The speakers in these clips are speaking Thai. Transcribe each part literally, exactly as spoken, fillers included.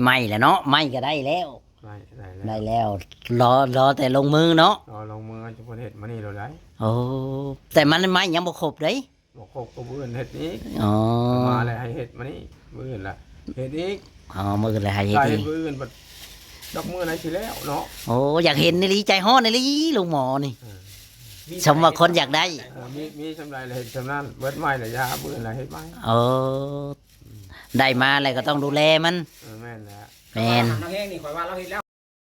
ไม่แล้วเนาะไม่ก็ได้แล้วได้ได้ได้แล้วแล้วรอรอแต่ลงมือเนาะรอลงมือจะพอเฮ็ดมานี่เราได้โอ้แต่มันไม่ยังบ่ครบเด้บ่ครบก็มื้ออื่นเฮ็ดอีกอ๋อมาแล้วให้เฮ็ดมานี่มื้ออื่นล่ะเฮ็ดอีกอ๋อมือเลยให้เฮ็ดได้อีเฮ็ดกมื้ออื่นบัดดอกมื้อไหนสิแล้วเนาะโอ้อยากเห็นนี่ลีใจฮ้อนนี่ลีลุงหมอนี่เออสมว่าคนอยากได้เออมีมีสำไรเลยเฮ็ดสำนั้นเบิดไม้น่ะยามื้ออื่นล่ะเฮ็ดไม้โอ้ได้มาแล้วก็ต้องดูแลมันเออแม่นแล้วแม่นน้ำแห้งนี่ข่อยว่าเราเฮ็ดแล้ว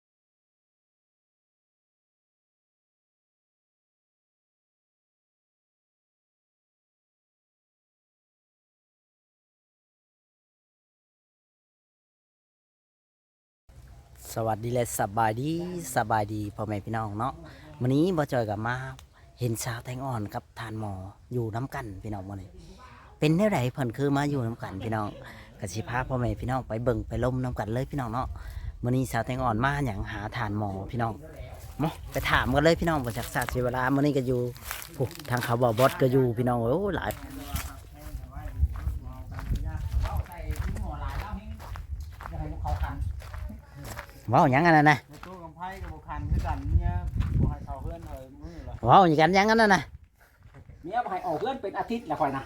สวัสดีและสบายดีสบายดีพ่อแม่พี่น้องเนาะวันนี้บ่จอยกับมาเห็นสาวแตงอ่อนกับทานหมออยู่น้ำกันพี่น้องมื้อนี้เป็นแนวใดเพิ่นคือมาอยู่น้ำกันพี่น้องก็สิพาพ่อแม่พี่น้องไปเบิ่งไปล้มน้ำกันเลยพี่น้องเนาะมื้อนี้สาวแตงอ่อนมาหยังหาทานหมอพี่น้องมาไปถามกันเลยพี่น้องบ่จักษาเสียเวลามื้อนี้ก็อยู่ปุ๊บทางเขาบ่บอสก็อยู่พี่น้องโอ้หลายเว้าหยังกันน่ะนะในตู้กำไพ่กับบุคันคือกันเมียบ่ให้เข้าเพื่อนเลยมื้อละเว้าหยังกันหยังกันน่ะนะเมียบ่ให้ออกเพื่อนเป็นอาทิตย์ละข่อยนะ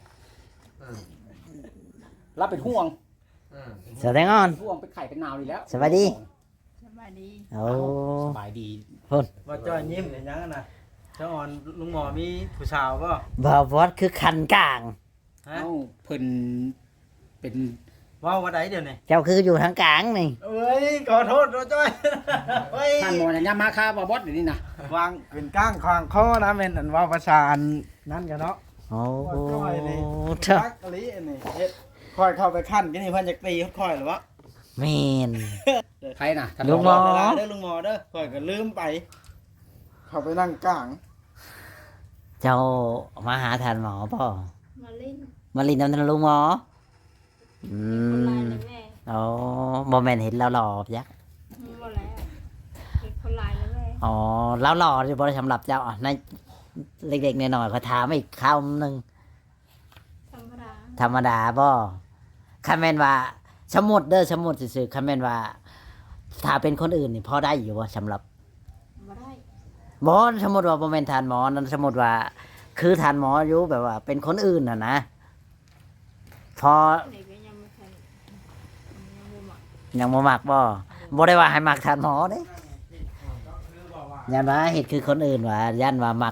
รับเป็นห่วงสาวแตงอ่อนห่วงเป็นไข่เป็นนาวนี่แล้วสวัสดีสบายดีโอ้สบายดีว่าจ้อยยิ้มเห็นยังอะนะเจ้าอ่อนลุงหมอมีผู้สาวป่ะบ่าวบอสคือคันกลางฮะเอ้าเพิ่นเป็นว่าวว่าไดเดี๋ยวนี้เจ้าคืออยู่ทางกลางนี่เอ้ยขอโทษว่าจ้อยเฮ้ยท่านหมอเนี่ยยามมาค่าบ่บอสเดี๋ยวนี้นะวางเป็นก้างควางคอนะเป็นอันว่าภาษาอันนั่นกันเนาะโอ้ว่าจ้อยนี่เถอะรักอะลิอันนี้เฮ็ดค่อยเข้าไปขั้นกันนี่เพิ่นจะตีค่อยหรือวะแมนใครน่ะท่านลุงหมอเวลาเด้อลุงหมอเด้อค่อยก็ลืมไป เข้าไปนั่งกลางเจ้ามาหาทานหมอป่ะมาเล่นมาลินน้ำทานลุงหมออืคนลายมเลยแม่โอ้บอแมนเห็นแล้วหล่อยักษ์มีหมดแล้วเป็นคนลายเลยแม่อ๋อแล้วหล่อที่บริสำหรับเจ้าอ่ะในเด็กๆหน่อยๆเขาถามอีกคำหนึ่งธรรมดาธรรมดาป่ะคำแมนว่าสมมุดเด้อสมมุดสื่อๆคำแมนว่า ถ้าเป็นคนอื่นนี่พอได้อยู่วะสำหรับมาได้หมอสมมติว่าบ่แม่นทานหมอนั่นสมมติว่า คือทานหมออยู่แบบว่า เป็นคนอื่นน่ะนะพอเด็กก็ยังไม่ทันยังบ่หมักยังบ่มักบ่บ่ได้ว่าให้มักทานหมอเด้ยันว่าเฮ็ดคือคนอื่นว่ายันว่ามัก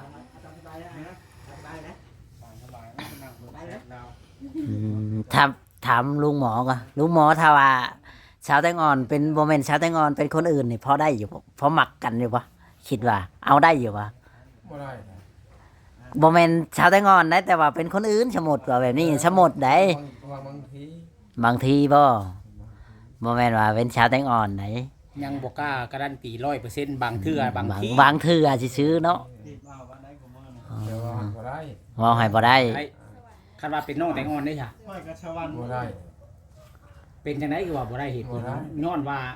อืมถามถามลุงหมอก่อนลุงหมอถ้าว่าสาวแตงอ่อนเป็นบ่แม่นสาวแตงอ่อนเป็นคนอื่นนี่พอได้อยู่บ่พอมักกันอยู่บ่คิดว่า เอาได้อยู่บ่บ่ได้นะบ่แม่นชาวไต้งอนได้แต่ว่าเป็นคนอื่นสมมุติว่าแบบนี้สมมุติได้บางบางทีบางทีบ่บ่แม่นว่าเป็นชาวไต้งอนไหนยังบ่กล้าการันตี ร้อยเปอร์เซ็นต์ บางเทื่อบางทีบางเทื่อสิซื้อเนาะรีบมาว่าได้กูมื้อนี้เดี๋ยวว่าบ่ได้เว้าให้บ่ได้ไอ้คันว่าเป็นน้องแตงอ่อนได้ค่ะค่อยก็ชวันบ่ได้เป็นจังไดคือว่าบ่ได้เหตุผลบ่ได้ย้อนว่า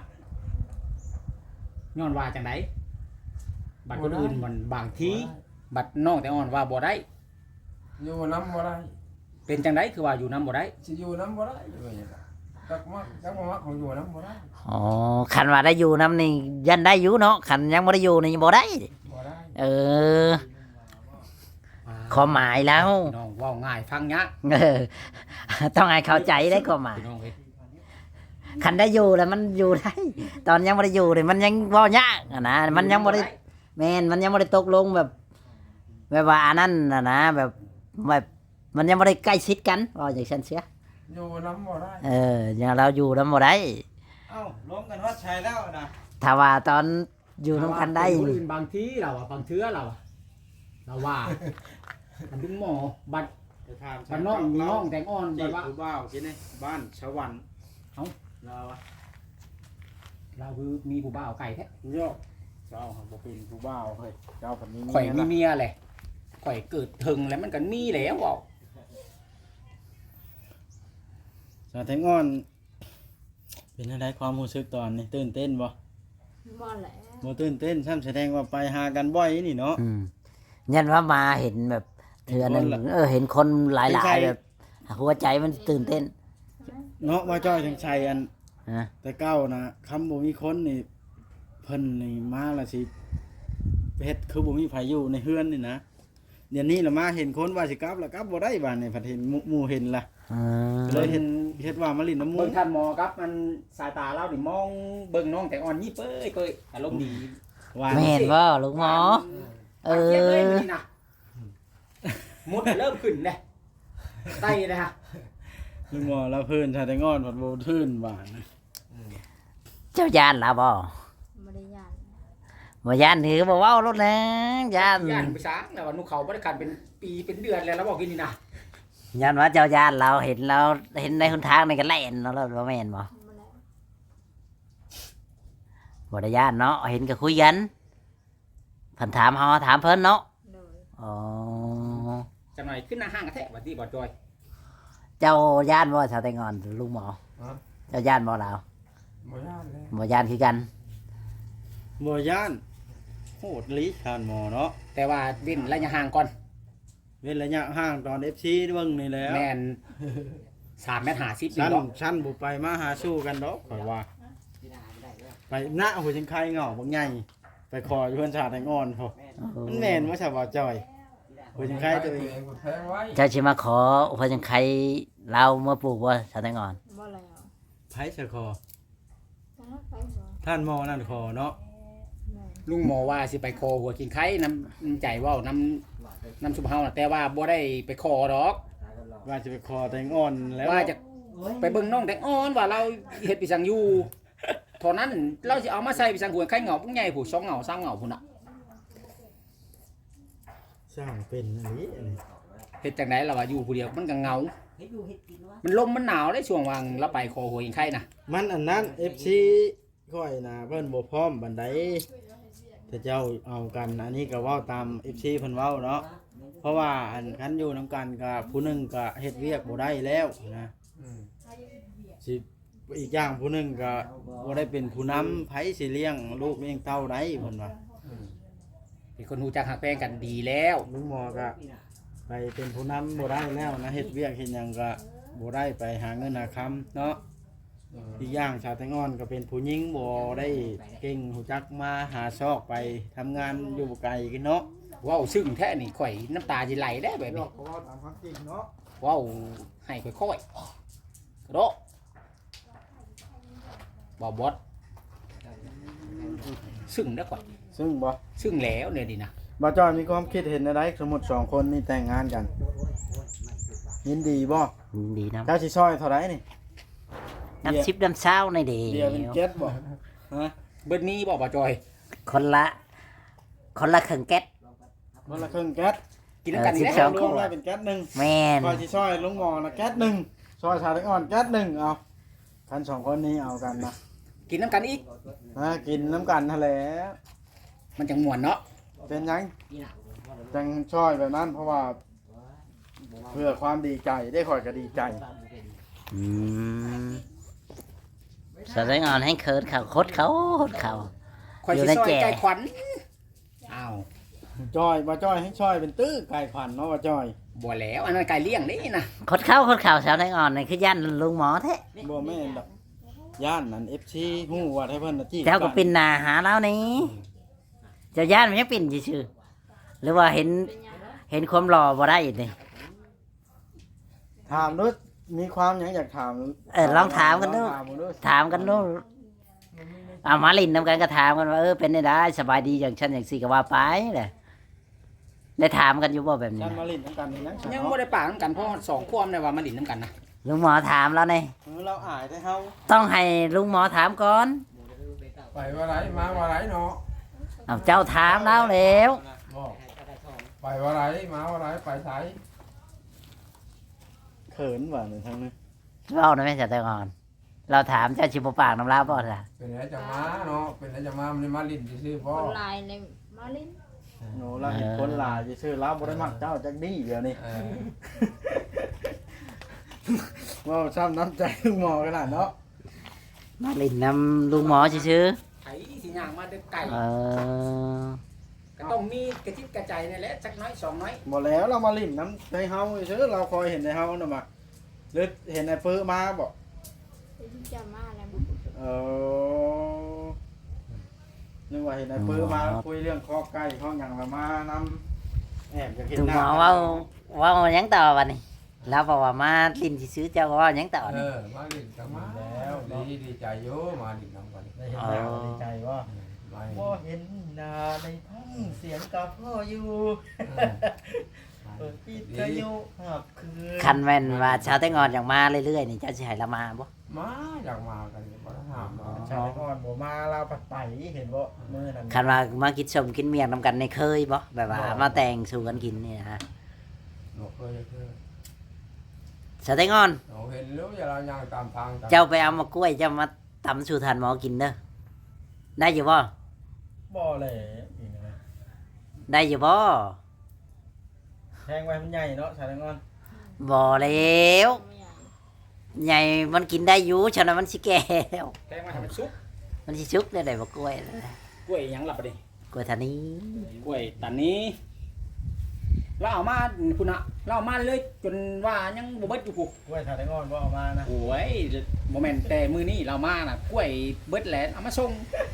ย้อนว่าจังไดบัดคนอื่นมันบางทีบัดน้องแตงอ่อนว่าบ่ได้อยู่น้ำบ่ได้เป็นจังไดคือว่าอยู่นํบ่ได้สิอยู่น้ำบ่ได้อยู่อย่างนี้จักมักจักบ่มักของอยู่น้ำบ่ได้อ๋อคันว่าได้อยู่นำนี่ยันได้อยู่เนาะคันยังบ่ได้อยู่นี่บ่ได้บ่ได้เออความหมายแล้วพี่น้องเว้าง่ายฟังยากเออต้องให้เข้าใจได้ความหมายพี่น้องเอ้ยคันได้อยู่แล้วมันอยู่ได้ ตอนยังบ่ได้อยู่นี่มันยังเว้ายากอะนะมันยังบ่ได้ แม่นมันยังไม่ได้ตกลงแบบแบบว่าอันนั้นนะนะแบบแบบมันยังไม่ได้ใกล้ชิดกันว่าอย่างฉันเสียอยู่น้ำบ่ได้เอออย่างเราอยู่น้ำบ่ได้เอ้าล้มกันฮอดชัยแล้วนะถ้าว่าตอนอยู่น้ำกันได้คนอื่นบางทีเราอะบางเทื่อเราอะเราว่ามันถึงหมอบัดจะถามบัดน้องน้องแตงอ่อนจีแบบบว่าผู้บ่าวสิเนี่ยบ้านชวันเอ้าเราอะเราคือมีผู้บ่าวไก่แท้โยกเจ้าบ่เป็นผู้บ่าวเฮ้ยเจ้าคนนี้ข่อยมีนะเมียแหละข่อยเกิดถึงแล้วมันก็มีแล้วเว้าสาวแตงอ่อนเป็นอะไรความรู้สึกตอนนี้ตื่นเต้นบ่บ่แล้วบ่ตื่นเต้นซ้ำแสดงว่าไปหากันบ่อยนี่เนาะอืมยันว่ามาเห็นแบบเถื่อหนึงเออเห็นคนหลายๆแบบหัวใจมันตื่นเต้นเนาะว่าจ้อยถึงชัยอันเฮะแต่เก้านะคำบ่มีคนนี่เพิ่นนี่มาและสิเฮ็ดคือบ่มีไผอยู่ในเฮือนนี่นะเดี๋ยวนี้ละมาเห็นคนว่าสิกลับแล้วกลับบ่ได้บาดนี่พัดเห็นหมู่หมู่เห็นล่ะอืก็เลยมเห็นเฮ็ดว่ามาลิ้นน้ำมูเบิ่กงท่านหมอครับมันสายตาเรานี่มองเบิ่งน้องแต่อ่อนยิบเอ้ยเกยอารมณ์ดีว่าแม่นบ่ลูกหมอ เอเอออนี่นะมุดเริ่มขึ้นเลยไตนะฮะลุงหมอแล้วเพิ่นชาแตงอนผัดโบทื่นบาดนะเจ้าย่านล่ะบ่บ่ได้ย่านบ่ย่านถือบ่เว้ารถนะย่านย่านไปช้างแล้วว่านุเขาบ่ได้กันเป็นปีเป็นเดือนแล้วแล้วบอกกินนี่นะย่านว่าเจ้าย่านเราเห็นเราเห็นในหนทางนี่ก็แล่นเนาะแล้วบ่แม่นบ่บ่ได้บ่ได้ย่านเนาะเห็นก็คุยกันเพิ่นถามเฮาถามเพิ่นเนาะโดยอ๋อจังหน่อยขึ้นหน้าห้างกระแทกบัดนี้บ่จอยเจ้าย่านบ่ชาวไตงอนลุงหมอฮะเจ้าย่านบ่ลาวบ่ย่านเลยบ่ย่านคือกันบ่ย่านโหดลิทานหมอเนาะแต่ว่าดิ้นระยะห่างก่อนเว้นระยะห่างตอน เอฟ ซี เบิ่งนี่แหล้วแม่นสามเมตรห้าสิบนี่ชั้นเนาะชั้นบ่ไปมาหาสู้กันดอกข่อยว่า ไปหน้าหัวจังไคเหงาบักใหญ่ไปขออยู่เพิ่นชาแตงอนพอมันแม่นบ่ใช่บ่จอยหัวจังไคตัวเองก็แทงไว้เจ้าสิมาขออุปจังไคเราเมื่อปลูกบ่ชาวไตงอนบ่แล้วไผสะคอจ้าไปบ่ท่านหมอนั่นคอเนาะแม่ลุงหมอว่าสิไปคอหัวกินไข่น้ำน้ำใจเว้าน้ำน้ำสุภเฮาน่ะแต่ว่าบ่ได้ไปคอดอกว่าจะไปคอแตงอ่อนแล้วว่าจะไปเบิ่งน้องแต่อ่อนว่าเราเฮ็ดปีสังอยู่เท่านั้นเราสิเอามาใส่ปีสังหัวไข่เหงาปุ๊งใหญ่ผู้สองเหงาสามเหงาพุ่นน่ะสร้างเป็นอันนี้อันนี้เฮ็ดจังได๋ล่ะว่าอยู่ผู้เดียวมันก็เหงา มันลมมันหนาวได้ช่วงวางเราไปคอหัวกินไข่น่ะมันอันนั้น เอฟ ซี ค่อยนะเพิ่นบ่พร้อมบันไดถ้าเจ้าเอากันอันนี้ก็เว้าตาม เอฟ ซี เพิ่นเว้าเนาะเพราะว่าอันคันอยู่นํกันก็ผู้หนึงก็เฮ็ดเวียกบ่ได้แล้วนะอืมสิอีกอย่างผู้หนึงก็บ่ได้เป็นผู้นำไผสิเลี้ยงลูกเลี้ยงเต้าได้เพิ่นว่าอืมเป็นคนรู้จักหักแพงกันดีแล้วลุงหมอก็ไปเป็นผู้นำบ่ได้แล้วนะเฮ็ดเวียกเฮ็ดหยังก็บ่ได้ไปหาเงินหาคำเนาะอืมอีกอย่างชาวไทยงอนก็เป็นผู้หญิงบ่ได้เก่งหูจักมาหาซอกไปทำงานอยู่ไกลกันเนาะว้าวซึ่งแท้นี่ข่อยน้ำตาสิไหลได้แบบนี้เพราะว่าตามความจริงเนาะว้าวให้ค่อยๆกระโดดบ่บอสซึ่งได้อข่อยซึ่งบ่ซึ่งแล้วเนี่ยดินะบ่จอยมีความคิดเห็นอะไรสมมุติสองคนนี่แต่งงานกัน ยินดีบ่ดีนะเจ้าสิซอยเท่าไหร่นี่น้ำชิปน้ำเช้าในเดีเดียวเป็นเจ็ดบ่ฮะเบิดนี้บ่บ่จอยคนละ คนละครึ่งแก๊สมื้อละครึ่งแก๊สกินน้ำกันนี่เออแหละสิบสองรวมแล้วเป็นแก๊สหนึงแม่นคอยสิซอยลุงหมอนะแก๊สหนึงซอยชาวไทยงอนแก๊สหนึงเอาคันสองคนนี้เอากันนะกินน้ำกันอีกฮะกินน้ำกันทะเลมันจังม่วนเนาะเป็นหยังจังช่อยแบบนั้นเพราะว่า เพื่อความดีใจได้คอยก็ดีใจอืมชาวไตงอนให้เคิร์ดเขาโคตรเขาโคตรเขาข่อยอยู่สิในซอยแจใจขวัญอ้าวจอยมาจอยให้ช่อยเป็นตื้อไก่ขวัญเนาะว่าจอยบ่แล้วอันนั้นไก่เลี้ยงนี่นะโคตรเขาโคตรเขาชาวไตงอนนี่คือย่านลุงหมอแท้บ่แม่นดอกย่านนั้น เอฟ ซี ฮู้ว่าให้เพิ่นน่ะจี้เจ้าก็ปินหนาหาแล้วนี่เจ้าย่านมันยังปินชื่อๆหรือว่าเห็นเป็นหยังเห็นความหล่อบ่ได้อีกนี่ถามดูมีความหยังอยากถามเออลองถามกันดูลองถามดูถามกันดูเอามาลินนำกันก็ถามกันว่าเออเป็นได้ได้สบายดีอย่างฉันอย่างสี่ก็ว่าไปเลยได้ถามกันอยู่บ่แบบนี้ฉันนะมาลิ้นน้ำกันนี่นะยังบ่ได้ปากน้ำกันเพราะสองความเนี่ยว่ามาดินน้ำกันนะลุงหมอถามแล้วนี่เออเราอายได้เฮาต้องให้ลุงหมอถามก่อนไปว่าไรมาว่าไรเนาะเอาเจ้าถามแล้วแล้วบอกไปว่าไรมาว่าไรไปไสเขินว่าในทางนี้เล่าหน่อยไหมจ๊ะแต่ก่อน เราถามเจ้าชิบปากน้ำลาบ่ล่ะเป็นไรจะมาเนาะเป็นไรจะมามันมาลิ้นซื่อๆคบ่นลายในมาลินโนเราเห็นคนหลายซื่อๆเราบ่ได้มักเจ้าจักดีเดี๋ยวนี้เออว่าซ้ำน้ำใจลุงหมอขนาดเนาะมาลินนำลุงหมอชื่อไอ้สิย่างมาเด้อไก่ๆเออก็ต้องมีกระจิตกระใจนี่แหละจักน้อยสองน้อยบ่แล้วเรามาลิ้นน้ำในเฮาซื่อเราคอยเห็นในเฮาน่ะมาหรือเห็นในเปื้อมาบ่เป็นที่จะมาแล้วเเออนึกว่าเห็นไอ้ปื้อมาคุยเรื่องข้อไก่ข้อหยังละมานำแอบอยากเห็นตุหหมน้าอเว้าเว้าหยังต่อบัดนี้แล้วบอกว่ามาลิ้นสิซื้อเจ้าก็เว้าหยังต่อเอนี่อมาดินกันมาแล้วดีดีใจโยมาดินนำกันได้เห็นหน้าก็ดีใจว่าไม่บ่เห็นหน้าในท้องเสียงกับพ่ออยู่เปิดปิดกระยุหับคืนคันแม่นว่าชาวแตงอ่อนอย่างมาเรื่อยๆนี่เจ้าสิให้เรามาบ่มาอยากมากันบ่ได้ห้ามมาชาวก่อนบ่มาลาวปัดไปเห็นบ่มื้อนั้นคันว่ามากินสมกินเมียงนำกันในเคยบ่แบบว่ามาแต่งสู่กันกินนี่นะฮะหนกเคยเคยชาวแตงอ่อนเราเห็นแล้วอย่าเราย่างตามทางเจ้าไปเอามากล้วยเจ้ามาตำสู่ทานหมอกินเด้อได้อยู่บ่บ่เลยอีกนะได้อยู่บ่แทงไว้มันใหญ่เนาะชาวแตงอนบ่แล้วไม่อยากใหญ่มันกินได้อยู่ฉะนั้นมันสิแก่แล้วแกงมาทำเป็นซุปมันสิชุกได้ได้บ่กล้วยนะกล้วยหยังหลับไปดิกล้วยทานี้กล้วยตานนี้เราเอามาคุณอะเราเอามาเลยจนว่ายังบ่เบิดอยู่กูกล้วยชาวแตงอนบ่เอามานะโอ้ยโมเมนต์แต่มือนี่เรามาน่ะกล้วยเบิดแหลนเอามาส่ง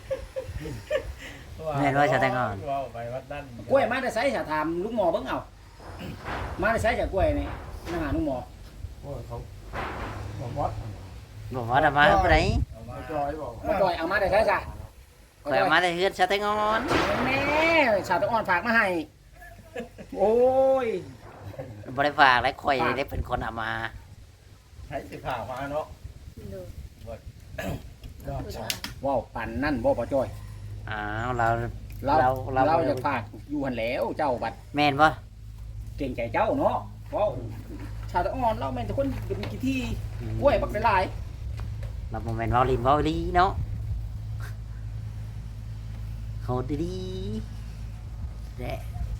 แม่นว่าชาวแตงอ่อนว่าไปวัดดันกล้วยมาแต่ไสจะถามลุงหมอเบิ่งเอามาแต่ไสจากกล้วยนี่นะหาลุงหมอโอ้ยเขาบอกวัดบ่ว่าดมาเพิ่นไดเอามามาจอยบอกมาจอยเอามาแต่ไสจ้ะข่อยเอามาได้เฮือนชาวแตงอ่อนแม่ชาวตะอ่อนฝากมาให้โอ้ยบ่ได้ฝากและข่อยได้เป็นคนเอามาให้สิผ่ามาเนาะดูยอดดูชาได้ว้าวปั่นนั่นบ่ปอจอยอ้าวเราเราเราเราเราจะฝากอยู่หันแหล้วเจ้าบัดแม่นบ่เก่งใจเจ้าเนาะว้าวชาวตะอ่อนเราแม่นแต่คนเป็นกี่ที่กล้วยบักหลายเราบ่แม่นเว้าลิ้นเว้าลีเนาะโหดดีๆแดะ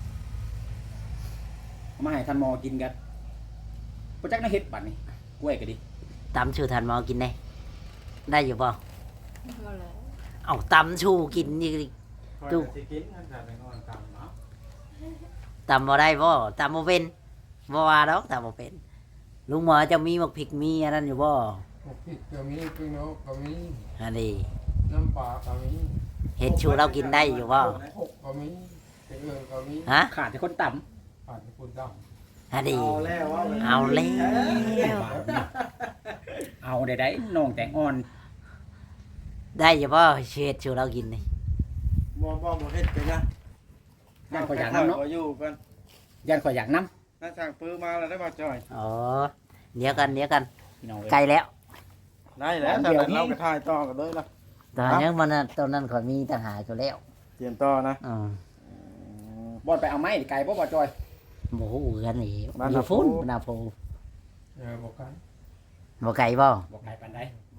ๆเอามาให้ท่านหมอกินกันบ่จักน่าเฮ็ดบัดนี่กล้วยก็ดีตำชูทานหมอกินได้ได้อยู่บ่มาเลยเอ้าตำชูกินนี่ดูดูสิกินท่านชาวแตงอนตำเนาะตำบ่ได้บ่ตำบ่เป็นบ่ว่าดอกตำบ่เป็นลุงหมอจะมีหมกพริกมีอันนั้นอยู่บ่พวกพริกก็มีพริกนกก็มีอันนี้น้ำปลาก็มีเฮ็ดชูเรากินได้อยู่บ่หกก็มีเกลือก็มีฮะขาดแต่คนต่ผ่านคุณดอันนี้เอาแล้วว่าเอาแล้วำเอาได้ได้น้องแตงอ่อนได้อยู่บ่เฮ็ดชูเรากินนี่บ่บ่บ่เฮ็ดไปนะย่านข่อยอยากน้ำเนาะขอยู่กันย่านข่อยอยากน้ถ้าสั่งปื้อมาแล้วได้บ่จอยอ๋อเดี๋ยวกันเดี๋ยวกันำพี่น้องเอ้ยไกลแล้วได้แล้วแต่เราก็ถ่ายต่อกันเลยล่ะตอนนี้มันน่ะตอนนั้นข่อยมีต่างหากอยู่แล้วเตรียมต่อนะอือบ่อนไปเอาไม้ไก่บ่บ่จอยบ่ฮู้กันนี่บ้านอยู่นาโพฟุ้นนาโพำเออบอกกันบ่ไกลบ่บ่ไก่ปานใด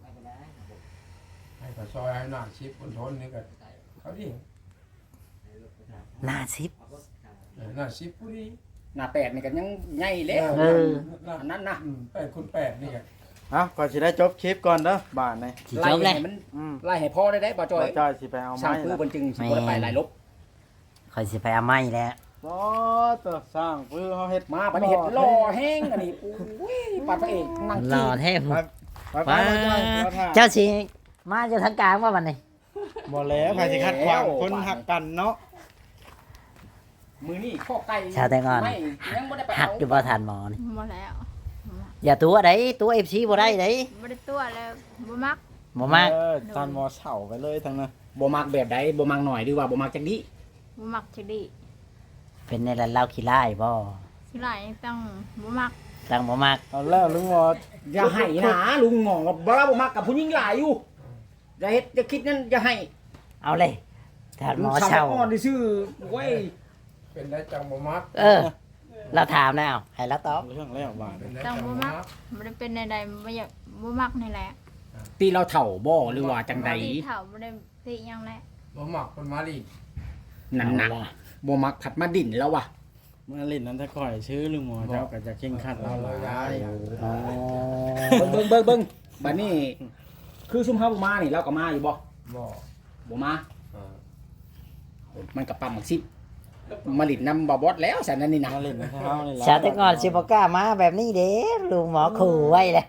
ให้กระซอยให้หน้าชิปบนทนนี่ก็เขาดิหน้าสิบเออหน้าชิปผู้ดีหน้าแปดนี่ก็ยังใหญ่แล้วเอออันนั้นนะอืมแปดคูณแปดนี่ไงเอ้าก่อนสิได้จบคลิปก่อนเด้อบ้านนี่สิไล่จบเลยให้มันอืมไล่ให้พ่อได้ได้บ่จอยบ่จอยสิไปเอาสร้าไม้งปื้อล่ะบนจึงสิบ่ได้ไปหลายลบข่อยสิไปเอาไม้แล้วบ่ตัวสร้างปื้อเฮาเฮ็ดมาบัดนี้เฮ็ดหล่อแห้งอันนี้โอ้ยปาดพระเอกนั่งรกิอน แท้ไปไปไปว้าบ่จอยบ่ถ่ายเจ้าสิมาอยู่ทางกลางว่าบัดนี้บ่แล้วใครสิคัดขวางคนหักกันเนาะมือนี่ข้อไก่ชาวแตงอ่อนไม่ยังบ่ได้ไปหัเอากอยู่บ่ทันหมอนี่มาแล้วอย่าตัวใดตัว เอฟ ซี บ่ได้เด้ไม่ได้ตัวแล้วบ่มักบ่มากเออตอนมอเสาไปเลยทั้งนั้นบ่มักแบบใดบ่มักหน่อยหรือว่าบ่มักจังนี้บ่มักจะดีเป็นในร้านเหล้าขี้ร้ายบ่สิไหลต้องบ่มักตั้งบ่มากเอาแล้วลุงหมออย่าให้นะลุงหมอบ่ว่าบ่มักกับผู้หญิงหลายอยู่อย่าเฮ็ดอย่าคิดนั่นอย่าให้เอาเลยถามหมอสาวเช่าอ่อนซื่อๆเว้ยเป็นได้จังบ่มักเออ เราถามแล้วให้เราตอบเรื่องแล้วบ้านเป็นได้ต้จัองงบ่บ่มัมักกบ่ได้เป็นใดๆบ่อยากบ่มักนี่แหละตีเราเฒ่าบ่หรือว่าจังใดบ่ได้เฒ่าบ่ได้ติหยังแหละบ่มักคนมาลีนั่นน่ะบ่มักผัดมาดินแล้วว่ะเมื่อลิ้นนั้นถ้าข่อยชื่อลุงหมอเจ้าก็จะเข่งขัดเราหลายอ๋อเบิ่งเบิ่งเบิ่งเบิ่งบัดนี้ คือซุมเฮาบ่มานี่เราก็มาอยู่บ่บ่บ่มาอ่ามันก็ปั๊มมักซิมาลิดนำบ่บอสแล้วสันนั่นนี่นะมาลิ้นให้เฮานี่ล่ะชาวแตงอ่อนสิบ่กล้ามาแบบนี้เด้ลุงหมอขู่ไว้เลยมา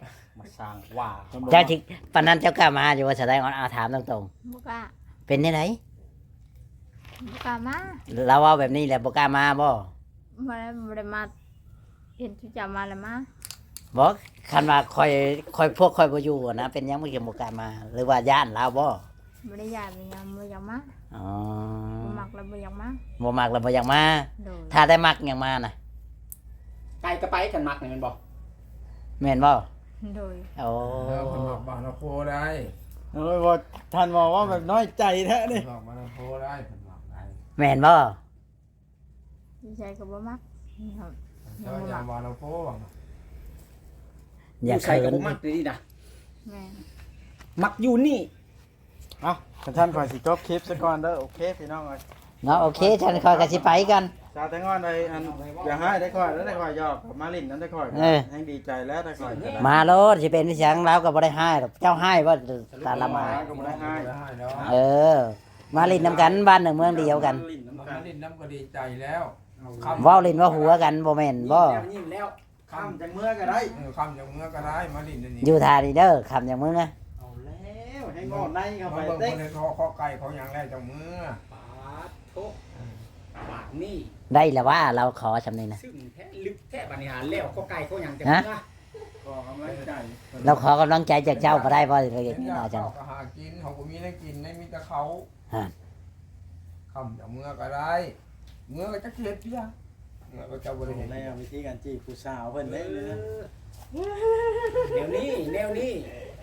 สร้างว่าเจ้าที่ปานนั้นเจ้ากล้ามาอยู่ว่าแสดงอ่อนอาถามตรงบ่กล้าๆเป็นได้ไหนบ่กล้ามาเราเว้าแบบนี้แหละบ่กล้ามาบ่บ่ได้บ่ได้มาเห็นจุจะมาแล้วมาบ่คันว่าคอยคอยพวกคอยบ่อยู่อะนะเป็นหยังบ่เกี่ยวบ่กล้ามา หรือว่าย่านลาวบ่บ่ได้ยานบ่ยังบ่อยากมาอ๋อบ่มักแล้วบ่อยากมาบ่มักแล้วบ่อยากมาโดยถ้าได้มักหยังมาน่ะไกลก็ไปกันมักนี่แมันบ่แม่นบ่โดยโอ้เออคนบอกบ้านเราโพได้โอ้ยบ่ท่านบอกว่าแบบน้อยใจแท้คนี่นบอกบ้านเราโพได้คนบอกได้แม่นบ่ดีใจก็บ่มักครับเจ้าอย่างบ้านเราโพบอกอย่าใส่เขิกับนบ่มักเลยนี่นะแม่นมักอยู่นี่เอ้าท่านขอยสิจบคลิปซะก่อนเด้อโอเคพี่น้องเอ้ยเนาะโอเคฉันคอยก็สิไปกันชาวแตงอนได้อันอย่าให้ได้ค่อยแล้วได้ค่อยยอกกับมาลินนั้นได้ค่อยเออให้ดีใจแล้วได้ค่อยก็ได้มาโลดสิเป็นเสียงเราก็บ่ได้ให้หรอกเจ้าให้ว่าตาละมาก็บ่ได้ให้ได้แล้วเออ มาลินนำกันบ้านหนึ่งเมืองเดียวกันลิ้นน้ำมักันนลิ้นน้ำก็ดีใจแล้วเว้าลินว่าหัวกันบ่แม่นบ่ยิ้มแล้วข้ามจังเมื่อก็ได้เออคำอย่างเมื่อก็ได้มาลิ้นนี่อยู่ทานีเด้อคำอย่างมึงอะเอาแล้วให้งอในเข้าเขาไปเบิ่งเต็คนในเขาเขาไก่เขาอย่างแรกจังเมื่อปาดโทปากนี่ได้แล้วว่าเราขอชำนี้นะซึ่งแท้ลึกแท้บัดนี้หาแล้วก็ไกลก็ยังจะฮะนะขอกำลังใจเราขอกำลังใจจากเจ้าก็ได้บ่เราอเห็ย่าน งนี้ยานะจังเขาก็หากินเขาก็มีได้กินได้มีแต่เขาฮะคำอย่างเมื่อก็ได้ เมื่อก็จะเกลียดเพียเมื่อก็จะบริเห็นแล้ววิธีการจีบผู้สาวเพิ่นได้เลยนะแนวนี้แนวนี้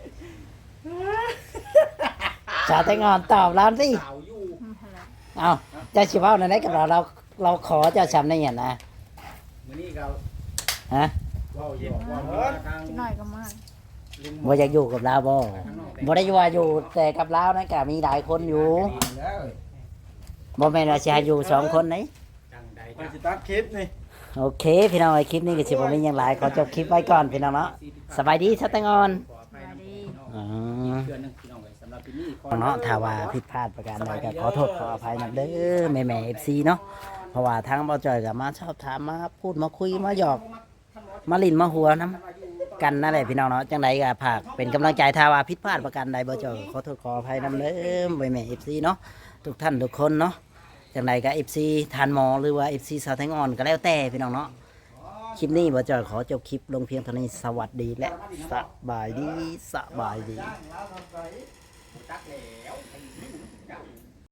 สาวแต่งงอนตอบเราสิสาวอยู่อืมนั่นแหละเอาเจ้าสิเว้าในไหนกับเราเราเราขอเจ้าชำนี้อย่างนะมื้อนี้ก็ฮะเว้าอยู่ว่าเมื่อทางจักหน่อยก็มาลุงบ่อยากอยู่กับเราบ่บ่ได้ว่าอยู่แต่กับเรานะก็มีหลายคนอยู่ดีแล้วบ่แม่นว่าสิให้อยู่สองคนไหนจังใดไปจังสิตัดคลิปนี่โอเคพี่น้องไอ้คลิปนี้ก็สิบ่มีหยังหลายขอจบคลิปไว้ก่อนพี่น้องเนาะสบายดีสาวแต่งงอนขออภัยนะพี่น้องอ๋อเดือนหนึงพี่น้องเอ้ยสำหรับที่นี่ขอเนาะถ้าว่าผิดพลาดประการใดก็ขอโทษขออภัยนำเด้อแม่แม่เอฟซีเนาะเพราะว่าทางเบาจอยก็มาชอบถามมาพูดมาคุยมาหยอกมาลินมาหัวน้ำกันนั่นแหละพี่น้องเนาะจังใดก็ฝากเป็นกำลังใจถ้าว่าผิดพลาดประการใดเบาจอยก็ขอโทษขออภัยนำเด้อแม่แม่เอฟซีเนาะทุกท่านทุกคนเนาะจังใดก็เอฟซีทานหมอหรือว่าเอฟซีสาวแทงอ่อนก็แล้วแต่พี่น้องเนาะคลิปนี้เบาจอยขอจบคลิปลงเพียงเท่านี้สวัสดีและสบายดีสบายดีจักแล้ว